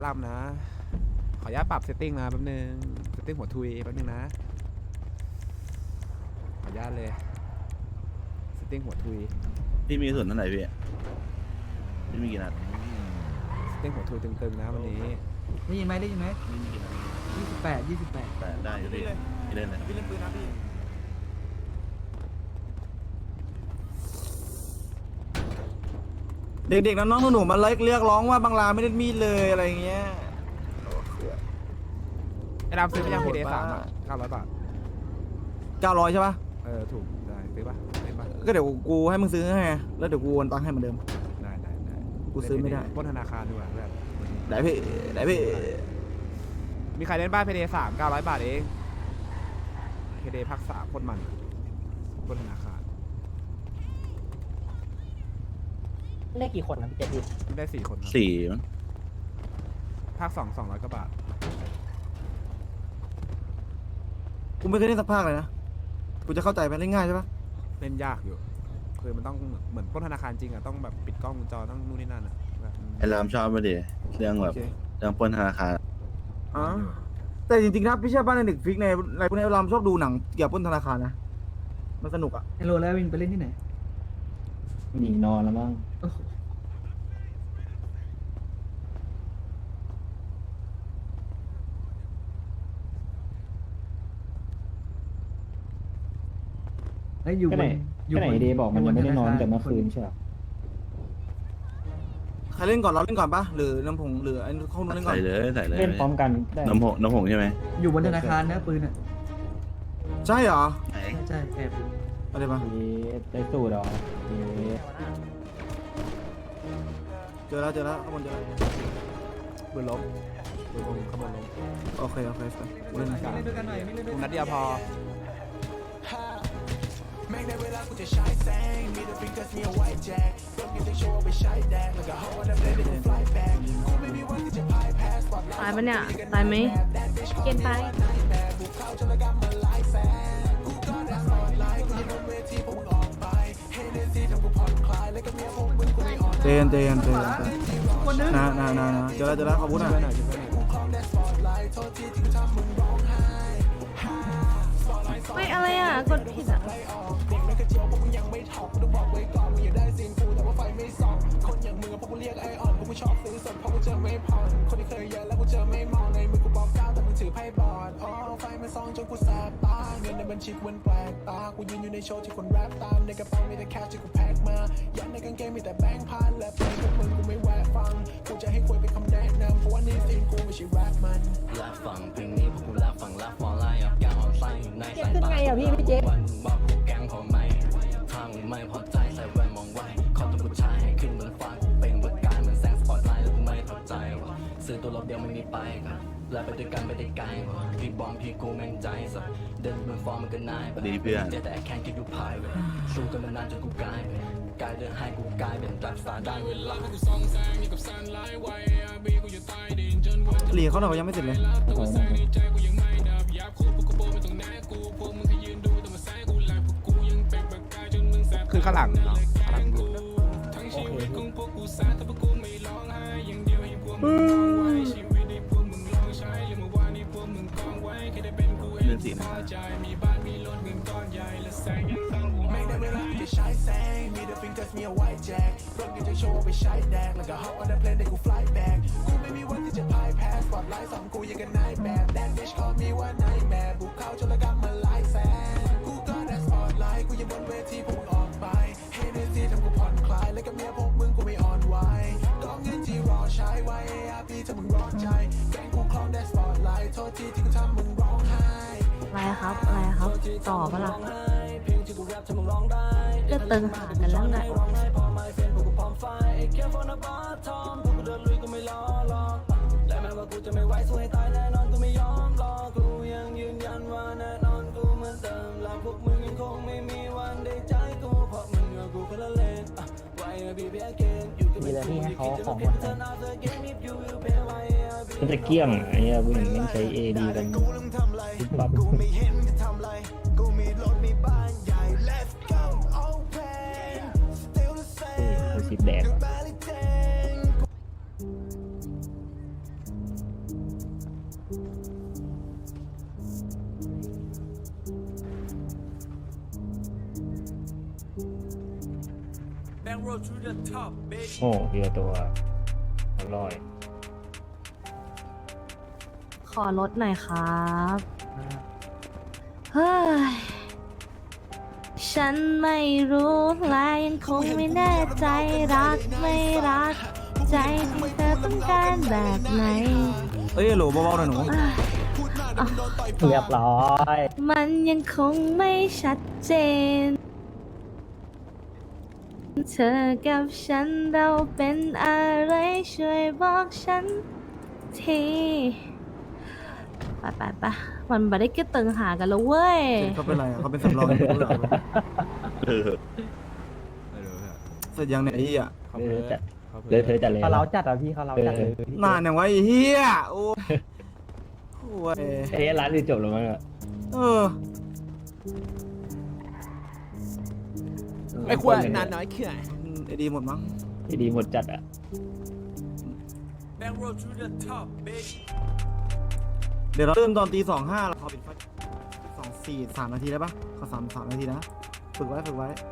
ล่ำนะขออนุญาตปรับเซตติ้งนะแป๊บนึงเซตติ้งหัวทุยแป๊บนึงนะขออนุญาตเลยเซตติ้งหัวทุยพี่มีส่วนเท่าไหร่พี่มีกี่นัดเซตติ้งหัวทุยตึงๆนะวันนี้ได้ยินไหมได้ยินไหมไม่มีกี่นัด 28 แต่ได้อยู่พี่พี่เล่นเลยพี่เล่นปืนนะพี่เด็กๆน้องๆหนูๆมาเรียกร้องว่าบางลาไม่ได้มีดเลยอะไรเงี้ยไอ้ดำซื้อไปยังพีเดสามอ่ะ900 บาท 900ใช่ปะถูกได้ซื้อปะเล่นปะก็เดี๋ยวกูให้มึงซื้อให้แล้วเดี๋ยวกูโอนตังค์ให้เหมือนเดิมได้กูซื้อไม่ได้ปล้นธนาคารดีกว่าแบบได้พี่ได้พี่มีใครเล่นบ้านพีเดสาม900 บาทเองพีเดภาค3ปล้นมันปล้นธนาคารได้กี่คนนะพี่เจดีได้4 คนครับ 4มั้งภาค2 200 กว่าบาทกูไม่เคยเล่นสักภาคเลยนะกูจะเข้าใจไหมเล่นง่ายใช่ปะเล่นยากอยู่คือมันต้องเหมือนปล้นธนาคารจริงอ่ะต้องแบบปิดกล้องวงจรต้องนู่นนี่นั่นอ่ะแบบไอ้รามชอบมาดิเรื่องแบบโอเคเรื่องปล้นธนาคารอ๋อแต่จริงๆนะพี่เชื่อป่ะในเด็กฟิกในอะไรพวกนี้เราชอบดูหนังเกี่ยวกับปล้นธนาคารนะมันสนุกอ่ะไฮโลแล้ววินไปเล่นที่ไหนหนีนอนแล้วมั้งโอ้โหไอ้ยอยู่ก็บไหนนก็ไหนเดย์บอกมันยังไม่ได้นอนแต่เมื่อคืนใช่ไหมใครเล่นก่อนเราเล่นก่อนปะหรือน้ำผงหรือไอ้ข้าวนุ่นเล่นก่อใส่นเลยใส่เลยเล่นพร้อมกันได้น้ำผงใช่ไหมอยู่บนธนาคารนะปืนอ่ะใช่เหรอไหนใช่แอบอยู่อะไรปะได้สูตรเหรอเอ๊ะเจอแล้วข้างบนเจอแล้วปืนล้มปืนขบวนล้มโอเคเล่นเล่นด้วยกันหน่อยไม่เล่นด้วยนัดเดียวพอแม่งในเวลากูจะใช้แสงมีแต่ฟิงเกอร์มีเอาไว้แจกรถยังจะโชว์ไปใช้แดงแล้วก็ฮอตแล้วได้กูฟลายแบ็กกูไม่มีวันที่จะพายแพ้สปอตไลท์ตายปะเนี่ย ตายไหมเกณฑ์ตายแบบบุกเข้าจนละกำมาหลายแสนกูก็ได้สปอตไลท์กูจะบนเวทีพวกมึงออกไปเฮเนซี่ทำกูผ่อนคลายแล้วก็เมียพวกมึงกูไม่อ่อนเจนนะเจอแล้วขอบคุณนะกูคลองได้สปอตไลท์โทษทีที่กูทำมึงร้องไห้ไม่อะไรอ่ะ กดผิดอ่ะเด็กไม่กระเจียวพวกมึงยังไม่ถอกกูต้องบอกไว้ก่อนมึงอย่าได้ซีนกูแต่ว่าไฟไม่ส่องคนอย่างมึงอะพวกกูเรียกไอออนพวกกูชอบซื้อสดเพราะกูเจอไม่ผ่อนคนที่เคยเยอะแล้วกูเจอไม่มองในมือกูบอกก้าวแต่มึงถือไพ่บอลอ๋อไฟมันส่องจนกูแสบตาเงินในบัญชีกูมันแปลกตากูยืนอยู่ในโชว์ที่คนแรปตามในกระเป๋ามีแต่แคชที่กูแพ็คมายัดในกางเกงมีแต่แบงค์พันและเพลงพวกมึงกูไม่แวะฟังกูจะให้คุยเป็นคำแนะนำเพราะว่านี่ซีนกูไม่ใช่แรปมันลากฝั่งเพลงนี้พวกกูลากฝั่งลากฟอร์ไลน์อับยาอ่อนไส้อยู่ในสายตาพี่เจ๊วันบอกกูแกงพอไหมทางไม่พอใจใส่แว่นมองไว้ขอตัวผู้ชายให้ขึ้นบนฟ้ากูเป็นบทการมันแสงสปอตไลท์แล้วกูไม่พอใจว่ะซื้อตัวรถเดียวไม่มีไปครับแล้วไปด้วยกันไปได้ไกลว่ะพี่บอมพี่กูแม่งใจสัสเดินบนฟอร์มมันก็นายแบบแต่แค่คิดดูพายเว้ยสู้กันมานานจนกูกลายเป็นกลายเดินให้กูกลายเป็นแบบสตาร์ได้เวลาเหลียเขาหน่อยยังไม่เสร็จเลยขอหน่อยคือข้างหลังเนาะข้างหลังดูโอเคเรื่องสีนะครับแม่งในเวลาจะใช้แสงมีแต่ฟิงเกอร์มีเอาไว้แจกรถยังจะโชว์ไปใช้แดงแล้วก็ฮอตแล้วเพลงได้กูฟลายแบ็กกูไม่มีวันที่จะพายแพ้สปอตไลท์สองกูยังกันนายแบบแดนดิชคอมีว่านายแม่บุกเข้าจนละกำมาหลายแสนกูก็ได้สปอตไลท์กูยังบนเวทีพวกมึงออกไปเฮเนซี่ทำกูผ่อนคลายแล้วก็เมียพวกมึงกูไม่อ่อนไหวก็เงินที่รอใช้ไว้อาพี่ถ้ามึงร้อนใจแกงกูคลองได้สปอตไลท์โทษทีที่กูทำมึงร้องไห้อะไรครับ อะไรครับ ต่อปะล่ะเพลงที่กูแรปทำมึงร้องได้ก็ตึงหากันแล้วไงร้องไห้พอไม่เฟนพวกกูพร้อมไฟแค่ฟอนบาทอมพวกกูเดินลุยกูไม่ล้อหรอกและแม้ว่ากูจะไม่ไหวสู้ให้ตายแน่นอนกูไม่ยอมรอกูยังยืนยันว่าแน่นอนกูเหมือนเดิมและพวกมึงยังคงไม่มีวันได้ใจกูเพราะมึงกับกูคนละเลนไว้บีบีเกนอยู่กับมีอะไรที่ให้เขาของเหมดเลยก็จะเกี้ยงไอ้เหี้ยผู้หญิงไม่ใช้เอดีกันปั๊บกูไม่เห็นจะทำไรกูมีรถมีบ้านใหญ่ let's go open still the คือ same สิบแดกอะ barely ten โอ้เดียวตัวอร่อยขอลดหน่อยครับเฮ้ยฉันไม่รู้และยังคงไม่แน่ใจรักไม่รักใจที่เธอต้องการแบบไหนเอ้ยโหลเบาๆหน่อยหนูเรียบร้อยมันยังคงไม่ชัดเจน เธอกับฉันเราเป็นอะไรช่วยบอกฉันทีไปมันไม่ได้เก็บตึงหากันแล้วเว้ยเขาเป็นไรอะเขาเป็นสำรองไม่รู้เหรอเออไม่รู้เนี่ยเสร็จยังเนี่ยไอ้เหี้ยเขาเลเพ้ยอจัดเขาเพ้อเลยเธอจัดเลยเขาเราจัดอ่ะพี่เขาเราจัดเลยนานอย่างวะไอ้เหี้ยโอ้โหเอ้ร้านนี้จบแล้วมั้งอะเออไอ้ขวดนานน้อยเขื่อนไอ้ดีหมดมั้งที่ดีหมดจัดอ่ะเดี๋ยวเราเริ่มตอนตี2:05เราขอปิดไฟ2:43 นาทีได้ปะขอ3 นาทีนะฝึกไว้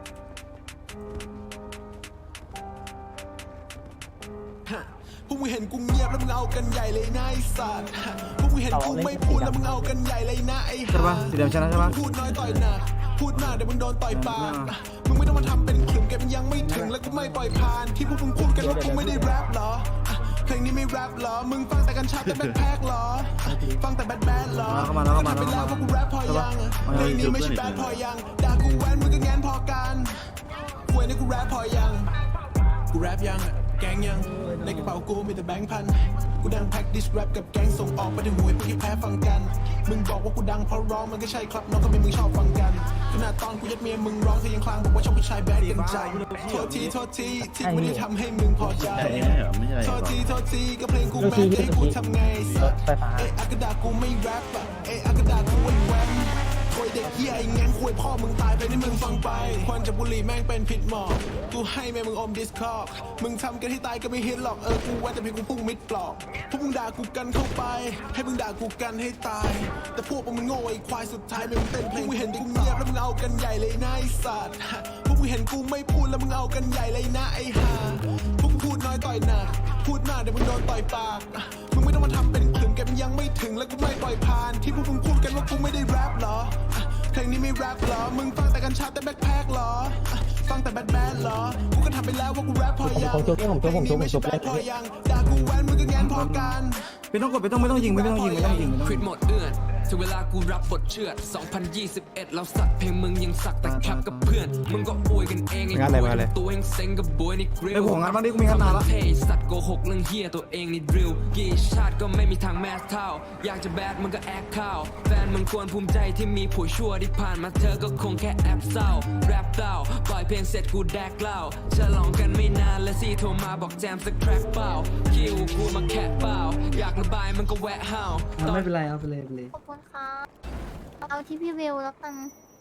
พวกมึงเห็นกูเงียบแล้วมึงเอากันใหญ่เลยนะไอ้สัตว์พวกมึงเห็นกูไม่พูดแล้วมึงเอากันใหญ่เลยนะไอ้ใช่ปะสีแดงชนะใช่ปะพูดน้อยต่อยหนักพูดมากเดี๋ยวมึงโดนต่อยปากมึงไม่ต้องมาทำเป็นขลุ่มแกมันยังไม่ถึงแล้วกูไม่ปล่อยผ่านที่พวกมึงพูดกันว่ากูไม่ได้แรปเหรอเพลงนี้ไม่แรปเหรอมึงฟังแต่กัญชาแต่แบทแพ็คเหรอฟังแต่แบทแบทเหรอเข้ามาแล้วไปแล้วว่ากูแรปพอยังเพลงนี้ไม่ใช่แบทพอยังด่ากูแว้นมึงก็แงนพอกันควยนี่กูแรปพอยังกูแรปยังแกงยังในกระเป๋ากูมีแต่แบงค์พันกูดังแพ็คดิสแรปกับแกงส่งออกไปถึงหวยพวกที่แพ้ฟังกันมึงบอกว่ากูดังเพราะร้องมันก็ใช่ครับน้องก็ไม่มึงชอบฟังกันขนาดตอนกูยัดเมียมึงร้องเธอยังคลางบอกว่าชอบผู้ชายแบดกันใจโทษทีที่กูไม่ได้ทำให้มึงพอใจใช่เหรอไม่ใช่โทษทีก็เพลงกูแม่งให้กูทำไงสัตว์เอะอากระดากูไม่แรปอะเอะอากระดากูไอ้แวมควยเด็กเฮียไอ้งั้นควยพ่อมึงตายไปนี่มึงฟังไปควันจากบุหรี่แม่งเป็นพิษหมอกกูให้แม่มึงอมดิสคอร์มึงทำกันให้ตายก็ไม่ฮิตหรอกกูว่าแต่เพียงกูพุ่งมิดปลอกพวกมึงด่ากูกันเข้าไปให้มึงด่ากูกันให้ตายแต่พวกมึงโง่ไอ้ควายสุดท้ายมึงเต้นเพลงมึงเห็นกูเงียบแล้วมึงเอากันใหญ่เลยนะไอ้สัตว์พวกมึงเห็นกูไม่พูดแล้วมึงเอากันใหญ่เลยนะไอ้ห่าพวกมึงพูดน้อยต่อยหนักพูดมากเดี๋ยวมึงโดนต่อยปากมึงไม่ต้องมาทำเป็นขลุ่มแกมันยังไม่ถึงแล้วกูไม่ปล่อยผ่านที่พวกมึงพูดกันว่ากูไม่ได้แรปเหรอเพลงนี้ไม่แรปเหรอมึงฟังแต่กัญชาแต่แบ็คแพ็คเหรอฟังแต่แบทแบทเหรอกูก็ทำไปแล้วว่ากูแรปพอยังเพลงนี้ไม่ใช่แบทพอยังด่ากูแว้นมึงก็แงนพอกันไม่ต้องยิงควิดหมดเอื้อนถึงเวลากูรับบทเชือด 2021 แล้วสัตว์เพลงมึงยังสักแต่แคปกับเพื่อน มึงก็อวยกันเองไอ้บวยตัวเองเซ็งกับบวยนี่กริลไอ้หัวงานบ้างดิกูมีงานนานละเท่สัตว์โกหกเรื่องเฮียตัวเองนี่ดริลกี่ชาติก็ไม่มีทางแมสเท่าอยากจะแบดมึงก็แอคเข้าแฟนมึงควรภูมิใจที่มีผัวชั่วที่ผ่านมาเธอก็คงแค่แอบเศร้าแรปเต้าปล่อยเพลงเสร็จกูแดกเหล้าฉลองกันไม่นานและซีโทรมาบอกแจมสักแคร็กเปล่าคิวกูมาแค่เปล่าอยากระบายมันก็แวะห้าวไม่เป็นไรเอาไปเลยขอบคุณครับเอาที่พี่วิวแล้วกัน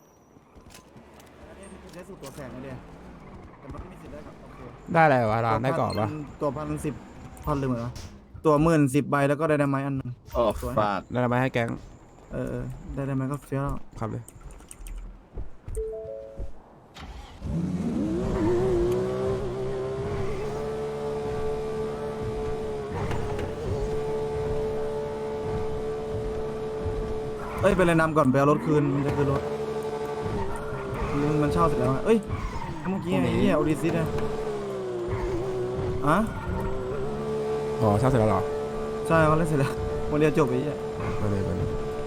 ใช้สูตรตัวแสงมาเดียวแต่มันไม่มีสิทธิ์ได้กับโอเคได้อะไรวะร้านได้กรอบปะตัว1,010,000ลืมเหรอตัว10,010 ใบแล้วก็ไดนาไมต์อันนึงโอ้ฟาดได้อะไรมาให้แก๊งไดนาไมต์ก็เฟี้ยวแล้วครับเลยเอ้ยไปเลยนำก่อนไปเอารถคืนมันจะคืนรถมันเช่าเสร็จแล้วอะเอ้ยเมื่อกี้ไอ้เหี้ยโอดิซิสอะอะอ๋อเช่าเสร็จแล้วเหรอใช่เขาเล่นเสร็จแล้ววันเดียวจบไปเหี้ยมาเลยมาเลย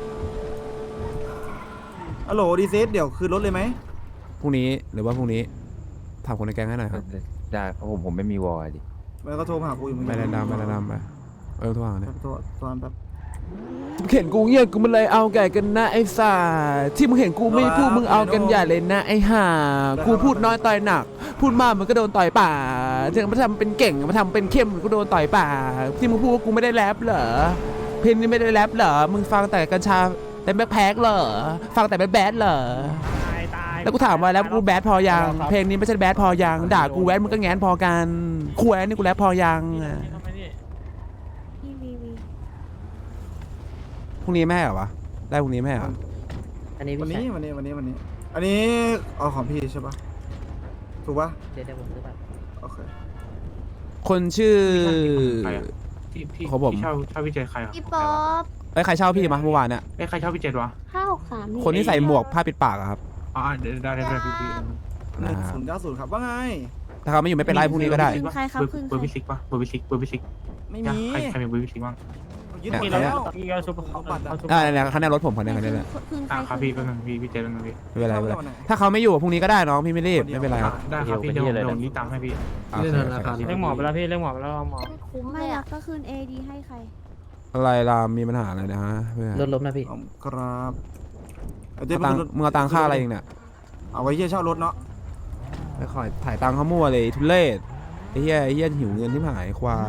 ฮัลโหลโอดิซิสเดี๋ยวคืนรถเลยไหมพรุ่งนี้หรือว่าพรุ่งนี้ถามคนในแก๊งให้หน่อยครับได้เพราะผมไม่มีวอลดิแล้วก็โทรมาหากูอยู่เหมือนไปกัแนะนำไปโทรหาเนี่ยโทรแป๊บมึงเห็นกูเงียบกูมันเลยเอาไก่กันนะไอ้สาที่มึงเห็นกูไม่พูดมึงเอากันใหญ่เลยนะไอ้ห่ากูพูดน้อยต่อยหนัก พูดมากมันก็โดนต่อยป่าถึงมาทำเป็นเก่งมาทำเป็นเข้มมันก็โดนต่อยป่าที่มึงพูดว่ากูไม่ได้แรปเหรอเพลงนี้ไม่ได้แรปเหรอมึงฟังแต่กัญชาแต่แบ็คแพ็คเหรอฟังแต่แบดเหรอแล้วกูถามว่าแล้วกูแบดพอยังเพลงนี้ไม่ใช่แบดพอยังด่ากูแวดมึงก็แงนพอกันคุยนี่กูแรปพอยังพี่วีวีพรุ่งนี้แม่เหรอวะได้พรุ่งนี้แม่เหรออันนี้วันพี่นี้ชายวันนี้อันนี้เอาของพี่ใช่ปะถูกปะเดี๋ยวผมซื้อบัตรโอเคคนชื่อพี่ของผมเช่าพี่เจใครครับพี่ป๊อปเอ้ยใครเช่าพี่มาเมื่อวานเนี่ยใครเช่าพี่เจวะ 563 คนที่ใส่หมวกผ้าปิดปากอะครับอ๋อเดี๋ยวได้พี่ 1090ครับว่าไงถ้าเขาไม่อยู่ไม่เป็นไรพรุ่งนี้ก็ได้ใครครับคือเบอร์พี่ซิกปะเบอร์พี่ซิกไม่มีใครมีเบอร์พี่ซิกบ้างยึดหมดแล้วพี่ก็ซุปเอาบัตรอะเนี่ยคันนี้รถผมคันนี้แหละครับพี่แป๊บนึงพี่เจแป๊บนึงพี่ไม่เป็นไรไม่เป็นไรถ้าเขาไม่อยู่พรุ่งนี้ก็ได้น้องพี่ไม่รีบไม่เป็นไรครับได้ครับพี่เดี๋ยวรีบตามให้พี่โอเคโอเคเรียกหมอไปแล้วพี่เรียกหมอไปแล้วหมอคุ้มเลยอ่ะก็คืน AD ให้ใครอะไรล่ะมีปัญหาอะไรนะฮะเพื่อนรถล้มนะพี่ครับเอาเจ๊เอาตังค์มึงเอาตังค่าอะไรเองเนี่ยเอาไว้เชี่ยเช่ารถเนาะไปขอถ่ายตังค์เขามั่วเลยทุเรศไอ้เหี้ยหิวเงินที่หายควาย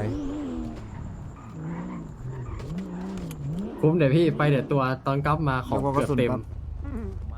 คุ้มเดี๋ยวพี่ไปเดี๋ยวตัวตอนกลับมาของแล้วก็กเกืระอบสุนเต็มครับ